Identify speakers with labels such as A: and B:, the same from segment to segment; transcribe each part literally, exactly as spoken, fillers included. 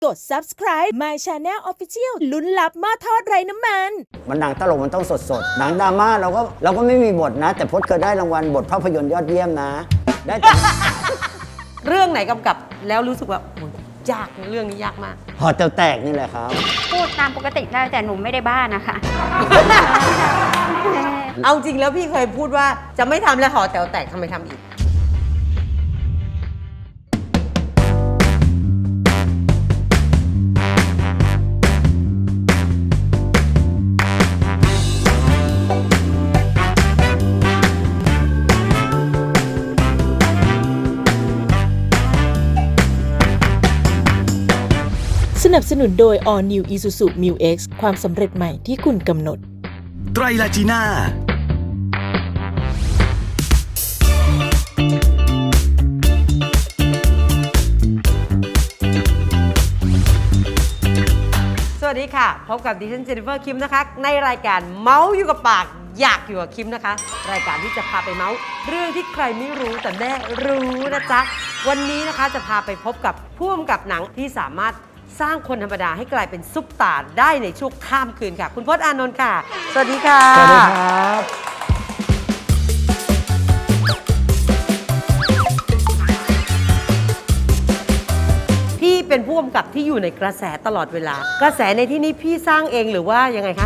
A: กด ซับสไครบ์ My Channel Official ลุ้นลับหม้อทอดไร้น้ำมัน
B: มันหนังตลกมันต้องสดสดหนังดราม่าเราก็เราก็ไม่มีบทนะ แต่พจน์เคยได้รางวัลบทภาพยนตร์ยอดเยี่ยมนะ ได้แต่
C: เรื่องไหนกำกับแล้วรู้สึกว่าโอ้ยยากเรื่องนี้ยากมาก
B: หอเตาแตกนี่แหละครับ
D: พูดตามปกติได้แต่หนูไม่ได้บ้านะคะ
C: เอาจริงแล้วพี่เคยพูดว่าจะไม่ทำแล้วหอแต๋วแตกทำไมทำอีก
A: สนับสนุนโดย All New Isuzu Mu X ความสำเร็จใหม่ที่คุณกำหนด
E: ไตรลาจีน่า
C: สวัสดีค่ะพบกับดิฉันเจนนิเฟอร์คิมนะคะในรายการเมาส์อยู่กับปากอยากอยู่กับคิมนะคะรายการที่จะพาไปเมาส์เรื่องที่ใครไม่รู้แต่แม่รู้นะจ๊ะวันนี้นะคะจะพาไปพบกับผู้กำกับหนังที่สามารถสร้างคนธรรมดาให้กลายเป็นซุปตาร์ได้ในช่วงข้ามคืนค่ะคุณพจน์อานนท์ค่ะสวัสดีค่ะ
B: สวัสดีครับ
C: พี่เป็นผู้กำกับที่อยู่ในกระแสตลอดเวลากระแสในที่นี้พี่สร้างเองหรือว่ายังไงคะ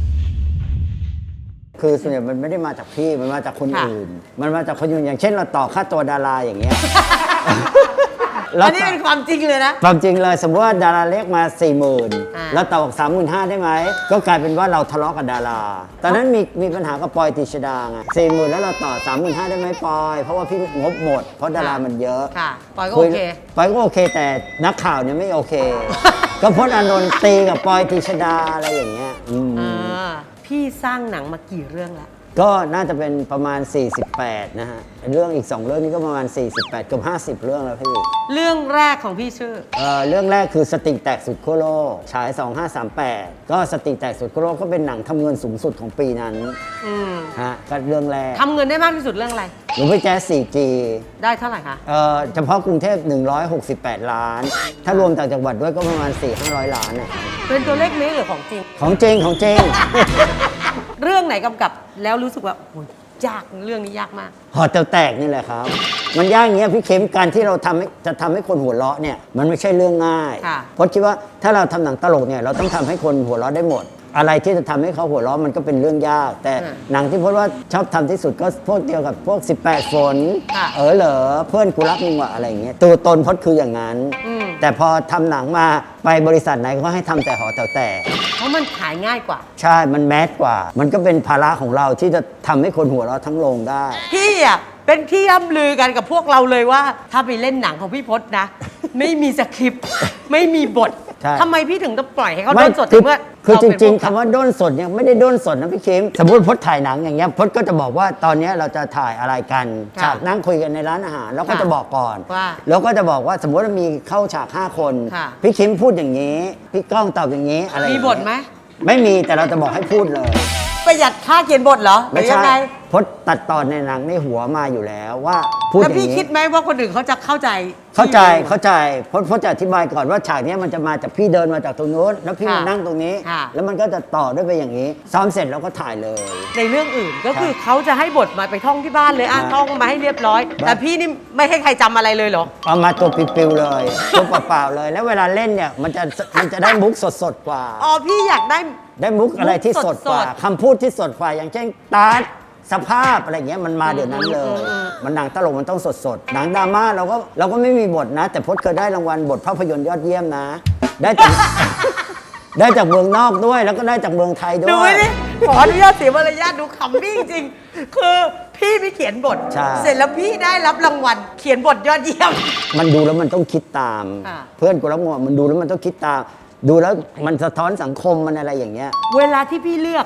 B: คือส่วนใหญ่มันไม่ได้มาจากพี่มันมาจากคน
C: ค่ะ
B: อื่น มันมาจากคนอื่นอย่างเช่นเราต่อค่าตัวดาราอย่างเงี้ย
C: อันนี้เป็นความจริงเลยนะ
B: ความจริงเลยสมมติว่าดาราเล็กมา4ี่หมื่น
C: อ่า
B: แล้วต่อบอกสามหมื่นห้าได้ไหมก็กลายเป็นว่าเราทะเลาะกับดารา ตอนนั้นมีมีปัญหากับปอยติชดาไงสี่หมื่นแล้วเราต่อสามหมื่นห้าได้ไหมปอย เพราะว่าพี่งบหมด เพราะดารามันเยอะ
C: ค่ะปอยก็โอเค
B: ปอยก็โอเคแต่นักข่าวเนี่ยไม่โอเค ก็พจน์อานนท์ตีกับปอยติชดาอะไรอย่างเงี้ยอืม
C: อ่าพี่สร้างหนังมากี่เรื่องแล้ว
B: ก็น่าจะเป็นประมาณ สี่สิบแปด นะฮะ เรื่องอีก สอง เรื่องนี้ก็ประมาณ สี่สิบแปดเกือบห้าสิบ เรื่องแล้วพี่
C: เรื่องแรกของพี่ชื่อ
B: เอ่อเรื่องแรกคือสติแตกสุดขั้วโลกฉาย สองห้าสามแปด ก็สติแตกสุดขั้วโลกก็เป็นหนังทำเงินสูงสุดของปีนั้น
C: อืม
B: ฮะก็เรื่องแรก
C: ทำเงินได้มากที่สุดเรื่องอะไร
B: หรือไปแจ๊ส โฟร์จี
C: ได้เท่าไหร่คะ
B: เอ่อเฉพาะกรุงเทพหนึ่งร้อยหกสิบแปด ล้าน ถ้ารวมต่างจังหวัดด้วยก็ประมาณ สี่ห้าร้อย ล้านน่ะ
C: เป็นตัวเลขเมตรหรือของจริง
B: ของจริงของจริง
C: เรื่องไหนกำกับแล้วรู้สึกว่าโอ้ยยากเรื่องนี้ยากมาก
B: หอเตาแตกนี่แหละครับ มันยากอย่างเงี้ยพี่เข็มการที่เราทำให้จะทำให้คนหัวเราะเนี่ยมันไม่ใช่เรื่องง่าย
C: ค่ะ
B: เพราะคิดว่าถ้าเราทำหนังตลกเนี่ยเราต้องทำให้คนหัวเราะได้หมด อะไรที่จะทำให้เขาหัวเราะมันก็เป็นเรื่องยาก แต่หนังที่พจน์ว่าชอบทำที่สุดก็พวกเดียวกับพวก สิบแปด ฝน เออเหรอเพื่อนกูรักมึงว่ะอะไรอย่างเงี้ยตัวตนพจน์คืออย่างนั้น
C: อืม
B: แต่พอทำหนังมาไปบริษัทไหนก็ให้ทำแต่หอเตาแตก
C: เพราะมันขายง่ายกว่า
B: ใช่ มันแมสกว่า มันก็เป็นภาระของเราที่จะทำให้คนหัวเราะทั้งโรงได้
C: พี่อ่ะเป็นที่ย่ำลือกันกับพวกเราเลยว่า ถ้าไปเล่นหนังของพี่พจน์นะ ไม่มีสคริปต์ไม่มีบท
B: ใช่
C: ทำไมพี่ถึงต้องปล่อยให้เขา
B: ไม่
C: โดนสด
B: คือ
C: เมื่อ
B: คือ
C: เา
B: จ
C: เป็น
B: ริง
C: ผู้
B: ๆคำว่าด้นสดเนี่ยไม่ได้ด้นสดนะพี่เข็มสมมติพจน์ถ่ายหนังอย่างเงี้ยพจน์ก็จะบอกว่าตอนเนี้ยเราจะถ่ายอะไรกัน
C: ค่ะ
B: ฉากนั่งคุยกันในร้านอาหารเราก็
C: ค่ะ
B: จะบอกก่อน
C: ว่า
B: แล้วก็จะบอกว่าสมมติว่ามีเข้าฉากห้าคน
C: ค่ะ
B: พี่เข็มพูดอย่างนี้ พี่ก้องตอบอย่างนี้อะไรอย่าง
C: มี
B: เงี้ย
C: บทไหม
B: ไม่มีแต่เราจะบอกให้พูดเลย
C: ประหยัดค่าเขียนบทเหรอหรื
B: ไม่
C: อยั
B: ใช่
C: งไง
B: พจน์ตัดตอนในหนังในหัวมาอยู่แล้วว่าพูดอ
C: แล้ว
B: ย่าง
C: พี่
B: นี้
C: คิดไหมว่าคนอื่นเขาจะเข้าใจ
B: เข้าใจ
C: ที่อยู่
B: เข้าใจเพราะเพราะจะอธิบายก่อนว่าฉากเนี้ยมันจะมาจากพี่เดินมาจากตรงนู้นแล้วพี่
C: ค่ะ
B: มานั่งตรงนี้
C: ค่ะ
B: แล้วมันก็จะต่อด้วยไปอย่างนี้ ซ้อมเสร็จแล้วก็ถ่ายเลย
C: ในเรื่องอื่นก็คือเขาจะให้บทมาไปท่องที่บ้านเลยอ่ะ
B: ครับ
C: ท่องมาให้เรียบร้อย
B: ครับ
C: แต่พี่นี่ไม่ให้ใครจำอะไรเลยเหรอ
B: เอามาตัวปิวๆเลยตัวเปล่าๆเลย แล้วเวลาเล่นเนี่ยมันจะมันจะได้มุกสดๆกว่า
C: อ๋อพี่อยากได้
B: ได้มุกอะไรที่สดกว่า
C: สดๆ
B: คำพูดที่สดกว่าอย่างเช่นตาร์ทสภาพอะไรเงี้ยมันมาเดี๋ยวนั้นเลย
C: อืมอืม
B: มันหนังตลกมันต้องสดๆหนังดราม่าเราก็เราก็ไม่มีบทนะ แต่พจน์เคยได้รางวัลบทภาพยนตร์ยอดเยี่ยมนะ ได้จาก ได้จากเมืองนอกด้วยแล้วก็ได้จากเมืองไทยด้
C: ดู
B: ว
C: ไว้
B: ย
C: ดิขออนุญาตเสียมารยาทดูขำพี่จริงๆคือพี่ไม่เขียนบท
B: ใช่
C: เสร็จแล้วพี่ได้รับรางวัลเขียนบทยอดเยี่ยม
B: มันดูแล้วมันต้องคิดตาม
C: ค่ะ
B: เพื่อนกูรับงมันดูแล้วมันต้องคิดตาม ดูแล้วมันสะท้อนสังคมมันอะไรอย่างเงี้ย
C: เวลาที่พี่เลือกค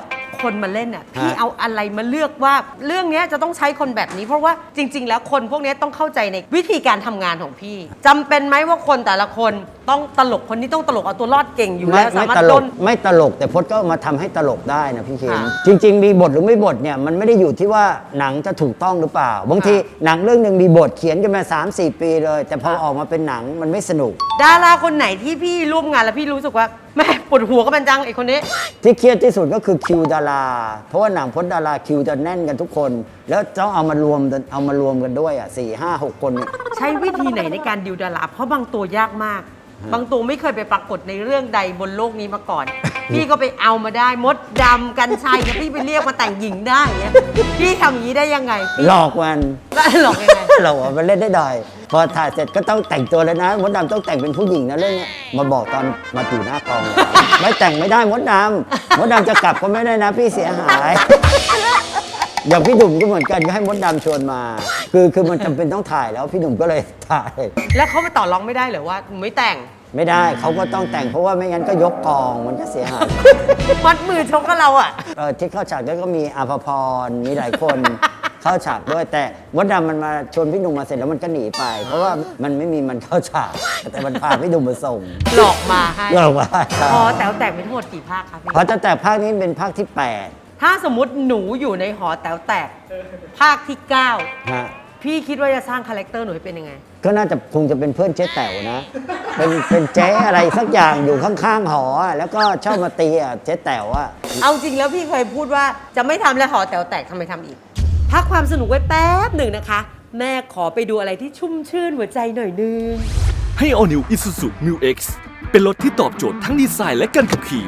C: คนมาเล่นอ่ะพี่เอาอะไรมาเลือกว่าเรื่องนี้จะต้องใช้คนแบบนี้เพราะว่าจริง ๆ แล้วคนพวกนี้ต้องเข้าใจในวิธีการทำงานของพี่จำเป็นไหมว่าคนแต่ละคนต้องตลกคนนี้ต้องตลกเอาตัวรอดเก่งอยู่แล้วสามารถ
B: ตล
C: โด
B: ก
C: น
B: ไม่ตลกแต่พจน์ก็มาทำให้ตลกได้นะพี่เคน
C: ค่ะ
B: จริง ๆ มีบทหรือไม่บทเนี่ยมันไม่ได้อยู่ที่ว่าหนังจะถูกต้องหรือเปล่าบางที
C: ค่ะ
B: หนังเรื่องหนึ่งมีบทเขียนกันมา สามสี่ ปีเลย แต่พอออกมาเป็นหนังมันไม่สนุก
C: ดาราคนไหนที่พี่ร่วมงานแล้วพี่รู้สึกว่าแม่ปวดหัวก็มันจังไอ้คนนี้
B: ที่เครียดที่สุดก็คือคิวดารา เพราะว่าหนังพจน์ดาราคิวจะแน่นกันทุกคน แล้วต้องเอามารวมเอามารวมกันด้วยอ่ะสี่ห้าหกคนเนี่ย
C: ใช้วิธีไหนในการดิวดาราเพราะบางตัวยากมาก บางตัวไม่เคยไปปรากฏในเรื่องใดบนโลกนี้มาก่อน พี่ก็ไปเอามาได้มดดำกันชัยเนี่ยพี่ไปเรียกมาแต่งหญิงได้อย่างเงี้ยพี่ทำอย่างนี้ได้ยังไงพี่
B: หลอกมัน
C: แล้วหลอกยังไง
B: หลอกว่ามันเล่นได้ดอยพอถ่ายเสร็จก็ต้องแต่งตัวแล้วนะมดดำต้องแต่งเป็นผู้หญิงนะเรื่องเนี้ยมาบอกตอนมาอยู่หน้ากองเลยไม่แต่งไม่ได้มดดำมดดำจะกลับก็ไม่ได้นะพี่เสียหาย อย่างพี่หนุ่มก็เหมือนกันก็ให้มดดำชวนมา คือคือมันจำเป็นต้องถ่ายแล้วพี่หนุ่มก็เลยถ่าย
C: แล้วเขามาต่อรองไม่ได้เหรอว่าหนูไม่แต่ง
B: ไม่ได้เขาก็ต้องแต่งเพราะว่าไม่งั้นก็ยกกองมันก็เสียหาย
C: มัดมือชกกับเราอ่ะ
B: เออที่เข้าฉากด้วยก็มีอาภพรมีหลายคน เข้าฉากด้วยแต่มดดำมันมาชวนพี่หนุ่มมาเสร็จแล้วมันก็หนีไป เพราะว่ามันไม่มีมันเข้าฉากแต่มันพาพี่หนุ่มมาส่ง
C: หลอกมาให้
B: เลิกว่า
C: พอแต่วแต่งเป็นทั้งหมดกี่ภาคครับพี่
B: เพราะตั้งแต่ภาคนี้เป็นภาคที่แปด
C: ถ้าสมมติหนูอยู่ในหอแต๋วแตกภาคที่เก้า
B: ฮะ
C: พี่คิดว่าจะสร้างคาแรคเตอร์หนูให้เป็นยังไง
B: ก็น่าจะคงจะเป็นเพื่อนเจ๊แต๋วนะ เป็นเป็นเจ๊อะไรสักอย่างอยู่ข้างๆหออะแล้วก็ชอบมาตีอ่ะเจ๊แต๋วอ่ะ
C: เอาจริงแล้วพี่เคยพูดว่าจะไม่ทำแล้วหอแต๋วแตกทำไมทำอีก พักความสนุกไว้แป๊บหนึ่งนะคะ แม่ขอไปดูอะไรที่ชุ่มชื่นหัวใจหน่อยนึง
E: ให้ All New Isuzu Mu X เป็นรถที่ตอบโจทย์ทั้งดีไซน์และการขับขี่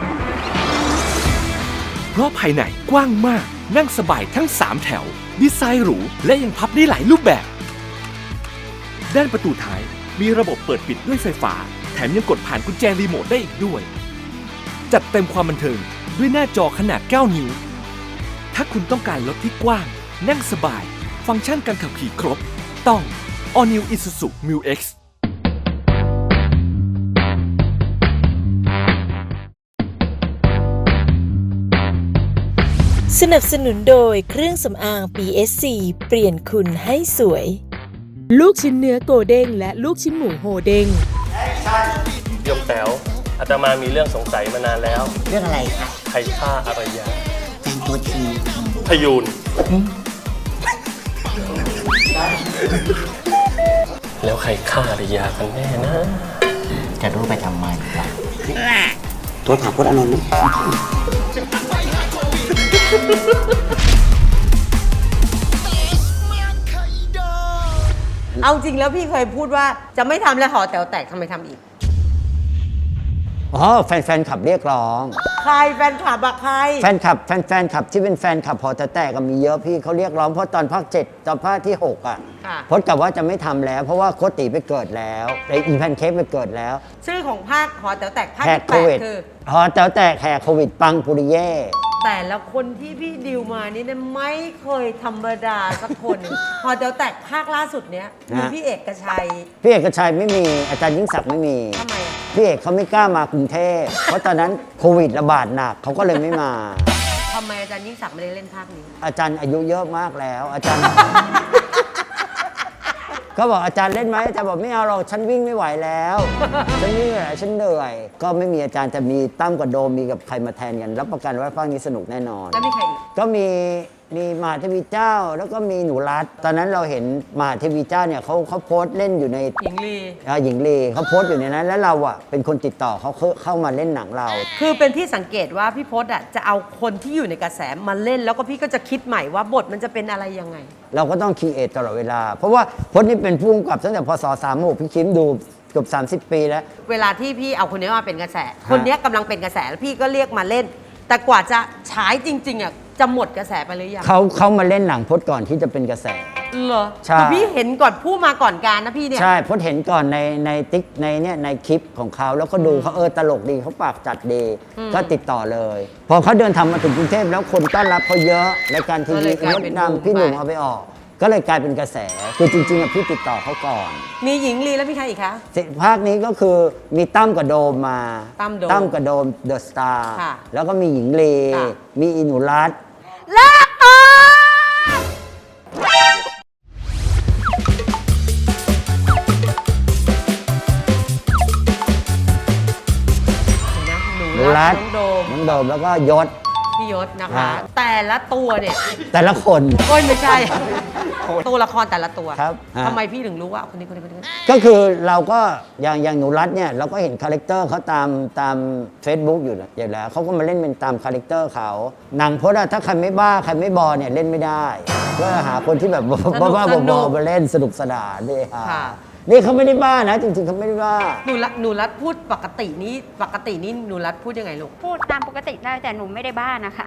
E: เพราะภายในกว้างมากนั่งสบายทั้ง สาม แถว ดีไซน์หรูและยังพับได้หลายรูปแบบ ด้านประตูท้ายมีระบบเปิดปิดด้วยไฟฟ้า แถมยังกดผ่านกุญแจรีโมทได้อีกด้วย จัดเต็มความบันเทิงด้วยหน้าจอขนาด เก้า นิ้ว ถ้าคุณต้องการรถที่กว้าง นั่งสบาย ฟังก์ชันการขับขี่ครบ ต้อง All New Isuzu Mu X
A: สนับสนุนโดยเครื่องสำอาง พี เอส ซี เปลี่ยนคุณให้สวย ลูกชิ้นเนื้อโกเด้งและลูกชิ้นหมูโฮเด้ง
F: โยมแต๋วอาตมามีเรื่องสงสัยมานานแล้ว
G: เรื่องอะไรคะ
F: ใครฆ่าอารยา
G: แฟนตัวที
F: พยูนแล้วใครฆ่าอารยากันแน่นะ
G: จะรู้ไปทำไมล่ะตัวถามพจน์อานนท์ไหม
C: เอาจริงแล้วพี่เคยพูดว่าจะไม่ทำแล้วหอแต๋วแตกทำไมทำอีก
B: อ๋อแฟนๆขับเรียกร้อง
C: ใครแฟนคลับอะใคร
B: แฟนคลับแฟนแฟนคลับที่เป็นแฟนคลับพอแต่แตกก็มีเยอะพี่เขาเรียกร้องเพราะตอนภาคเจ็ดตอนภาคที่หกอ่ะ
C: ค่ะ
B: พจน์กับว่าจะไม่ทำแล้ว เพราะว่าโคติไปเกิดแล้วไออีแพนเค้กไปเกิดแล้ว
C: ชื่อของภาคหอแต๋วแตกภาค
B: แหก
C: ที่
B: โค
C: แปด
B: วิด
C: คือ
B: พอแต่แตกแหกโควิดปังปุริเย่
C: แต่ละคนที่พี่ดิวมานี่เนี่ยไม่เคยธรรมดาสักคน หอแต๋วแตกภาคล่าสุดเนี้ยมีพี่เอกชัย
B: พี่เอกชัยไม่มีอาจารย์ยิ่งศักดิ์ไม่มี
C: ทำไมอะ
B: พี่เอกเขาไม่กล้ามากรุงเทพเพราะตอนนั้นโควิดระบาดหนักเขาก็เลยไม่มา
C: ทำไมอาจารย์ยิ่งศักดิ์ไม่ได้เล่นภาคนี้
B: อาจารย์อายุเยอะมากแล้ว อาจารย์ ก็บอกอาจารย์เล่นไหมอาจารย์บอกไม่เอาหรอกฉันวิ่งไม่ไหวแล้ว ฉันวิ่งไม่ไหวฉันเหนื่อย ก็ไม่มีอาจารย์แต่มีตั้มกับโดมมีกับใครมาแทนกันรับประกันว่าภาคนี้สนุกแน่นอน
C: แล้วมีใครอีก
B: ก็มีมีมหาเทวีเจ้าแล้วก็มีหนูรัตตอนนั้นเราเห็นมหาเทวีเจ้าเนี่ยเขาเขาโพสต์เล่นอยู่ใน
C: หญิงลี
B: อ่าหญิงลีเขาโพสต์อยู่ในนั้น แล้วเราอ่ะเป็นคนติดต่อเขาเข้าเข้ามาเล่นหนังเรา
C: คือเป็นที่สังเกตว่าพี่พศอ่ะจะเอาคนที่อยู่ในกระแสมาเล่น แล้วก็พี่ก็จะคิดใหม่ว่าบทมันจะเป็นอะไรยังไง
B: เราก็ต้องคีเอทตลอดเวลา เพราะว่าพจน์นี่เป็นผู้กำกับตั้งแต่พศสามหกพี่คิมดูเกือบสามสิบปีแล้ว
C: เวลาที่พี่เอาคนนี้มาเป็นกระแส คนนี้กำลังเป็นกระแสแล้วพี่ก็เรียกมาเล่น แต่กว่าจะฉายจริงๆอ่ะจะหมดกระแสไปหรือยัง
B: เขาเขามาเล่นหนังพจน์ก่อนที่จะเป็นกระแส
C: เหรอ
B: ใช่
C: คือพี่เห็นก่อนผู้มาก่อนการนะพี่เนี่ย
B: ใช่พจน์เห็นก่อนในในติ๊กในเนี่ยในคลิปของเขาแล้วก็ดูเขาเออตลกดีเขาปากจัดดีก็ติดต่อเลย พอเขาเดินทางมาถึงกรุงเทพแล้วคนต้อนรับเขาเยอะรายการทีวีมดดำพี่หนุ่มเอาไปออกก็เลยกลายเป็นกระแสคือจริงๆอะพี่ติดต่อเขาก่อน
C: มีหญิงลีแล้วมีใครอีกคะ
B: ภาคนี้ก็คือมีตั้มกับโดมมา
C: ตั้มโดม
B: กับโดมเดอะสตาร์
C: ค่ะ
B: แล้วก็มีหญิงเล
C: ค่ะ
B: มีอินุรัต
C: ลาออกเห็นนะหนู
B: หนู
C: รั
B: รั
C: ก
B: ต
C: น้องโดม
B: น้องโดมแล้วก็ยศ
C: พี่ยศนะคะ
B: ค่ะ
C: แต่ละตัวเนี่ย
B: แต่ละคน
C: โอ้ยไม่ใช่ ตัวละครแต่ละตัว
B: ครับฮะ
C: ทำไมพี่ถึงรู้ว่าคนนี้คนนี้คนนี้คนนี้
B: ก็คือเราก็อย่างอย่างหนูรัตเนี่ยเราก็เห็นคาแรคเตอร์เขาตามตาม Facebook อยู่แล้วอยู่แล้วเขาก็มาเล่นเป็นตามคาแรคเตอร์เขาหนังพจน์อะถ้าใครไม่บ้าใครไม่บอเนี่ยเล่นไม่ได้ก็หาคนที่แบบบ้าๆบอๆมาเล่นสนุกสนานด้วยค่ะ
C: ค่ะ
B: นี่เขาไม่ได้บ้านะ จริงๆเขาไม่ได้บ้า
C: หนูรัตหนูรัตพูดปกตินี้ปกตินี้หนูรัตพูดยังไงลูก
D: พูดตามปกติได้แต่หนูไม่ได้บ้านะคะ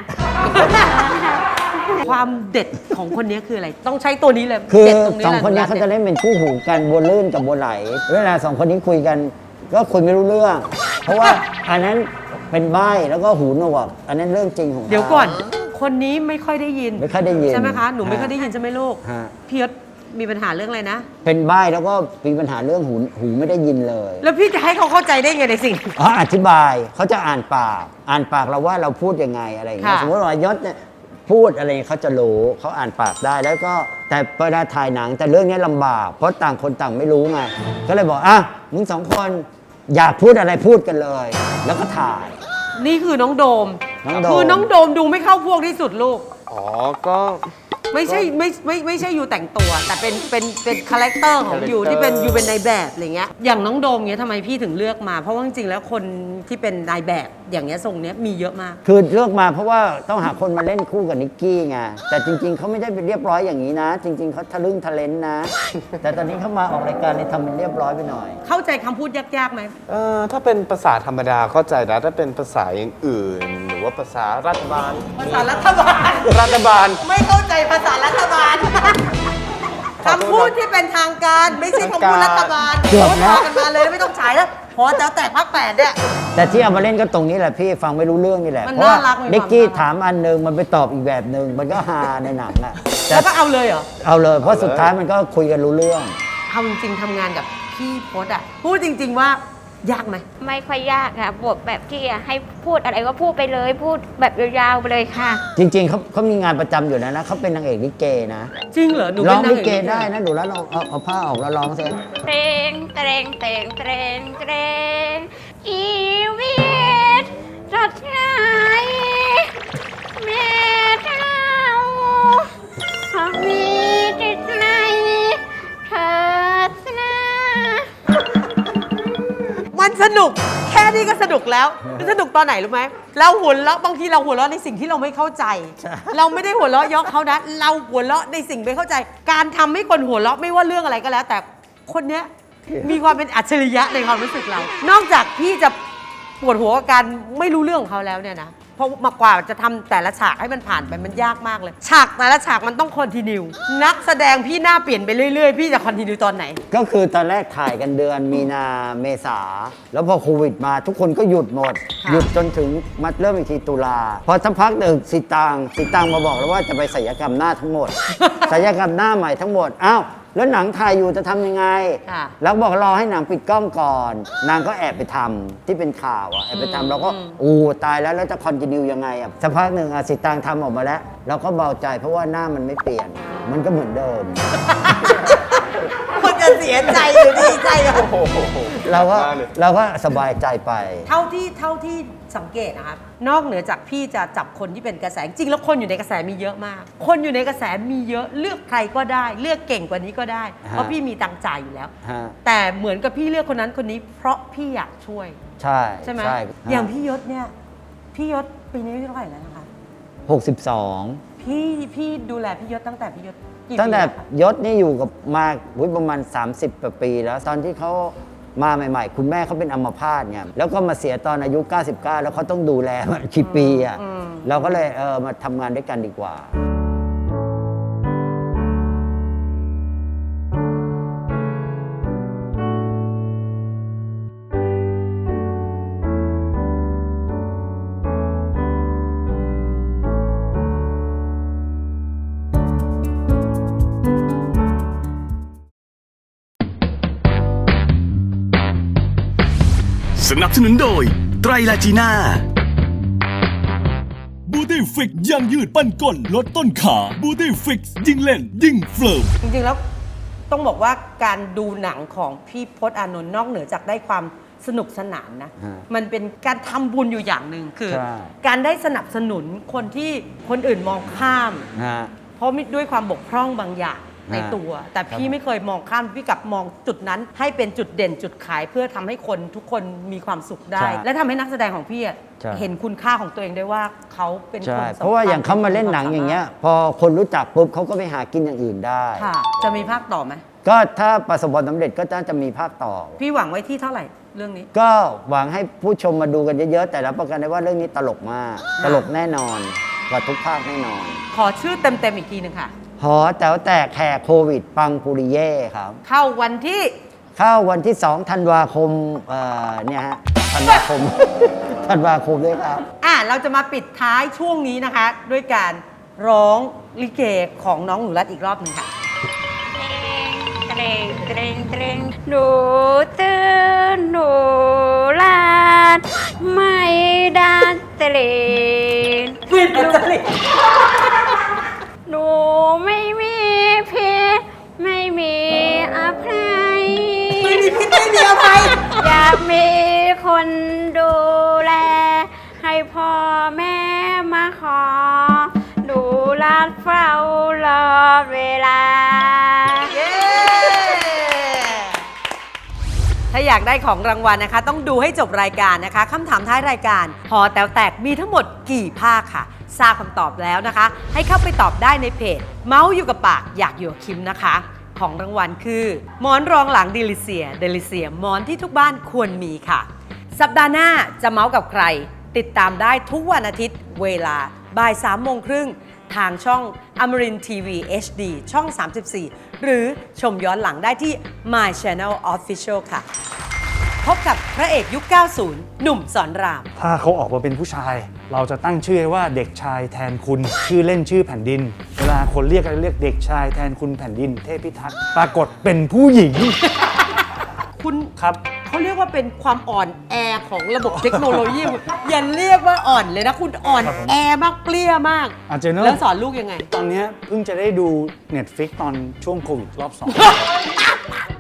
C: ความเด็ดของคนนี้คืออะไร ต้องใช้ตัวนี้เลย
B: คือ
C: เด็ดตรงนี้
B: สอง
C: แหละ
B: คนนี้เขาจะเล่นเป็นคู่หูกันบัวลื่นกับบัวไหล เวลาสองคนนี้คุยกันก็คุยไม่รู้เรื่อง เพราะว่าอันนั้นเป็นใบ้แล้วก็หูหนวกอันนั้นเรื่องจริงของขา
C: เดี๋ยวก่อน คนนี้ไม่ค่อยได้ยิน
B: ไม่ค่อยได้ยิน
C: ใช่ไหมคะ หนูไม่
B: ฮะ
C: ค่อยได้ยินใช่ไหมลูก
B: ฮะ
C: พี่ยศมีปัญหาเรื่องอะไรนะ
B: เป็นใบ้แล้วก็มีปัญหาเรื่องหูหูไม่ได้ยินเลย
C: แล้วพี่จะให้เขาเข้าใจได้ไงในสิ่ง
B: อ๋ออธิบายเขาจะอ่านปาก อ่านปากเราว่าเราพูดยังไงอะไรอย่างเงี้ย
C: ค่ะ
B: สมมติว่ายศเนี่ยพูดอะไรเขาจะรู้เขาอ่านปากได้แล้วก็แต่เวลาถ่ายหนังแต่เรื่องนี้ลำบาก เพราะต่างคนต่างไม่รู้ไงก็เลยบอกอ่ะมึงสองคนอยากพูดอะไรพูดกันเลย แล้วก็ถ่าย
C: นี่คือน้องโดม
B: น้องโดม
C: คือน้องโดมดูไม่เข้าพวกที่สุดลูก
H: อ๋อ ก็
C: ไม่ใช่ไม่ไม่ไม่ใช่อยู่แต่งตัว แต่เป็นเป็นเป็นคาแรคเตอร์ของอยู่ที่เป็นอยู่เป็นนายแบบอะไรเงี้ยอย่างน้องโดมเงี้ยทำไมพี่ถึงเลือกมา เพราะว่าจริงๆแล้วคนที่เป็นนายแบบอย่างเงี้ยทรงเนี้ยมีเยอะมาก
B: คือเลือกมาเพราะว่าต้องหาคนมาเล่นคู่กับนิกกี้ไงแต่จริง ๆเขาไม่ได้เป็นเรียบร้อยอย่างนี้นะ จริง ๆเขาทะลึ่งทะเลนนะ แต่ตอนนี้เขามาออกรายการเลยทำเป็นเรียบร้อยไปหน่อย
C: เข้าใจคำพูดยากๆไหม
H: เอ่อ ถ้าเป็นภาษาธรรมดาเข้าใจนะ ถ้าเป็นภาษาอย่างอื่น หรือว่าภาษารัฐบาล
C: ภาษารัฐบาล
H: รัฐบาล
C: ไม่เข้าใจภาษารัฐบาล คำพูดที่เป็นทางการไม่ใช่คำพูดรัฐบาล
B: เกือบ
C: โพ
B: แล้ว
C: สต์กันมาเลยไม่ต้องฉายแล้ว พอจะแตกพักแปดเนี่ย
B: แต่ที่เอามาเล่นก็ตรงนี้แหละพี่ฟังไม่รู้เรื่องนี่แหละ
C: มัน
B: เพราะว่า
C: น่ารักมีความ
B: นิกกี้
C: น่ารัก
B: ถามอันหนึงมันไปตอบอีกแบบหนึ่งมันก็ฮาในหนังอะแต่
C: แล้วก็เอาเลยเหรอ
B: เอาเลยเพราะสุดท้ายมันก็คุยกันรู้เรื่อง
C: เอาจริงๆทำงานกับพี่พศอ่ะ พูดจริง ๆว่ายากไหม
D: ไม่ค่อยยากค่ะบทแบบที่ให้พูดอะไรก็พูดไปเลย พูดแบบยาวๆไปเลยค่ะ
B: จริง ๆเขาเขามีงานประจำอยู่นะนะเขาเป็นนางเอกลิเกนะ
C: จริงเหรอ หนู
B: ร้
C: เป็
B: อน ง
C: นาง
B: ลิ
C: เอก
B: เก
C: ลิเก
B: ได้นะดูแล้วลองเอาเอาผ้าออกแล้วร้องสิ
D: เตรงเตรงเตรงเตรงเตรงชีวิตสดใสแม่เจ้าหากมีจิตในเถิดนะ
C: มันสนุก แค่นี้ก็สนุกแล้วมันสนุกตอนไหนรู้ไหมเราหัวเราะบางทีเราหัวเราะในสิ่งที่เราไม่เข้าใจ เราไม่ได้หัวเราะยอกเขานะ เราหัวเราะในสิ่งไม่เข้าใจ การทำให้คนหัวเราะไม่ว่าเรื่องอะไรก็แล้ว แต่คนเนี้ยมีความเป็นอัจฉริยะในความรู้สึกเรา นอกจากพี่จะปวดหัวกับการไม่รู้เรื่องของเขาแล้วเนี่ยนะเพราะมากกว่าจะทำแต่ละฉากให้มันผ่านไปมันยากมากเลย ฉากแต่ละฉากมันต้องคอนติเนียนักแสดงพี่หน้าเปลี่ยนไปเรื่อยๆพี่จะคอนติเนียตอนไหน
B: ก็คือตอนแรกถ่ายกันเดือนมีนาเมษา แล้วพอโควิดมาทุกคนก็หยุดหมด
C: ค่ะ
B: หยุดจนถึงมาเริ่มอีกทีตุลา พอสักพักหนึ่งสิตางสิตางมาบอกแล้วว่าจะไปศัลยกรรมหน้าทั้งหมด ศัลยกรรมหน้าใหม่ทั้งหมดอ้าวแล้วหนังถ่ายอยู่จะทำยังไง
C: ค่ะ
B: แล้วบอกรอให้หนังปิดกล้องก่อน นางก็แอบไปทำที่เป็นข่าวอะแอบไปทำเราก็อู้ตายแล้วแล้วจะคอนติเนียยังไงอะสักพักหนึ่งอะสิตางทำออกมาแล้ว เราก็เบาใจเพราะว่าหน้ามันไม่เปลี่ยน มันก็เหมือนเดิม
C: คนจะเสียใจหรือดีใจอะ
B: เราก็เราก็สบายใจไป
C: เท่าที่เท่าที่สังเกตนะครับนอกเหนือจากพี่จะจับคนที่เป็นกระแสจริงแล้วคนอยู่ในกระแสมีเยอะมาก คนอยู่ในกระแสมีเยอะเลือกใครก็ได้ เลือกเก่งกว่านี้ก็ได้ เพราะพี่มีตังค์จ่ายอยู่แล้ว
B: ฮะ
C: แต่เหมือนกับพี่เลือกคนนั้นคนนี้ เพราะพี่อยากช่วย
B: ใช่
C: ใช่ไหม
B: ใช่
C: อย่างพี่ยศเนี่ยพี่ยศปีนี้อายุเท่าไหร่แล้วนะคะ
B: หกสิบสอง
C: พี่พี่ดูแลพี่ยศตั้งแต่พี่ยศกี่ปี
B: ตั้งแต่
C: ล้วคะ
B: ยศนี่อยู่กับมาอุ๊ยประมาณ สามสิบกว่าปีแล้ว ตอนที่เขามาใหม่ ๆ คุณแม่เขาเป็นอัมพาตเนี่ยแล้วก็มาเสียตอนอายุ เก้าสิบเก้า แล้วเขาต้องดูแลมันกี่ปีอ่ะเราก็เลยเออมาทำงานด้วยกันดีกว่า
I: นับสนุนโดยไตรลาจีน่า
E: บูตี้ฟิกยังยืดปั้นก้นลดต้นขาบูตี้ฟิกยิ่งเล่นยิ่งเฟิร์ม
C: จริงๆแล้วต้องบอกว่าการดูหนังของพี่พจน์อานนท์นอกเหนือจากได้ความสนุกสนานนะ
B: ฮะ
C: มันเป็นการทำบุญอยู่อย่างหนึ่งคือ
B: ใช่
C: การได้สนับสนุนคนที่คนอื่นมองข้าม
B: ฮะ
C: เพราะมีด้วยความบกพร่องบางอย่างใน
B: ฮะ
C: ตัว แต่พี่
B: ครับ
C: ไม่เคยมองข้ามพี่กลับมองจุดนั้นให้เป็นจุดเด่นจุดขายเพื่อทำให้คนทุกคนมีความสุขได้
B: ใช่
C: และทำให้นักแสดงของพี่อะ
B: ใช่
C: เห็นคุณค่าของตัวเองได้ว่าเขาเป็นคน
B: ใช่
C: สำคัญ
B: เพราะว่าอย่างเขามาเล่นหนังอย่างเงี้ย พอคนรู้จักปุ๊บเขาก็ไปหากินอย่างอื่นได้
C: ค่ะ จะมีภาคต่อไหม
B: ก็ถ้าประสบความสำเร็จก็น่าจะมีภาคต่อ
C: พี่หวังไว้ที่เท่าไหร่เรื่องนี้
B: ก็หวังให้ผู้ชมมาดูกันเยอะๆ แต่รับประกันได้ว่าเรื่องนี้ตลกมาก ตลกแน่นอนกว่าทุกภาคแน่นอน
C: ขอชื่อเต็มๆอีกทีหนึ่งค่ะ
B: หอแต๋วแตกแขกโควิด ปังปุริเย่ครับ
C: เข้าวันที่
B: เข้าวันที่สองธันวาคมเอ่อเนี่ยฮะธันวาคม ธันวาคมด้วยครับ
C: อ่ะเราจะมาปิดท้ายช่วงนี้นะคะ ด้วยการร้องลิเกของน้องหนูรัตอีกรอบหนึ่งค่ะ
D: เตรงเตรงเตรงหนูตื่นหนูลาดไม่ดัดเตรง
C: ไม่ดัดจริต
D: หนูไม่มีพิษไม่มีอภัย
C: ไม่มีพิษไม่มีอภัย
D: อยากมีคนดูแล ให้พ่อแม่มาขอ ดูลาดเฝ้ารอเวลา
C: เย้ถ้าอยากได้ของรางวัลนะคะ ต้องดูให้จบรายการนะคะคำถามท้ายรายการหอแต๋วแตกมีทั้งหมดกี่ภาคค่ะ ทราบคำตอบแล้วนะคะ ให้เข้าไปตอบได้ในเพจ เมาส์อยู่กับปากอยากอยู่กับคิมนะคะ ของรางวัลคือหมอนรองหลังเดลิเซียเดลิเซียหมอนที่ทุกบ้านควรมีค่ะ สัปดาห์หน้าจะเมาส์กับใคร ติดตามได้ทุกวันอาทิตย์เวลาบ่ายสามโมงครึ่งทางช่องอมรินทีวี เอช ดี ช่อง สามสิบสี่ หรือชมย้อนหลังได้ที่ My Channel Official ค่ะ พบกับพระเอกยุค เก้าสิบ หนุ่มสอนราม
J: ถ้าเขาออกมาเป็นผู้ชาย เราจะตั้งชื่อให้ว่าเด็กชายแทนคุณ ชื่อเล่นชื่อแผ่นดิน เวลาคนเรียกกันเรียกเด็กชายแทนคุณแผ่นดิน เทพพิทักษ์ปรากฏเป็นผู้หญิง
C: คุณ
J: ครับ
C: เขาเรียกว่าเป็นความอ่อนแอของระบบเทคโนโลยี อย่าเรียกว่าอ่อนเลยนะ คุณอ่อนแอมากเปรี้ยมาก
J: อาจจะเนอะ
C: แล้วสอนลูกยังไง
J: ตอนเนี้ยเพิ่งจะได้ดู Netflix ตอนช่วงโควิดรอบสอง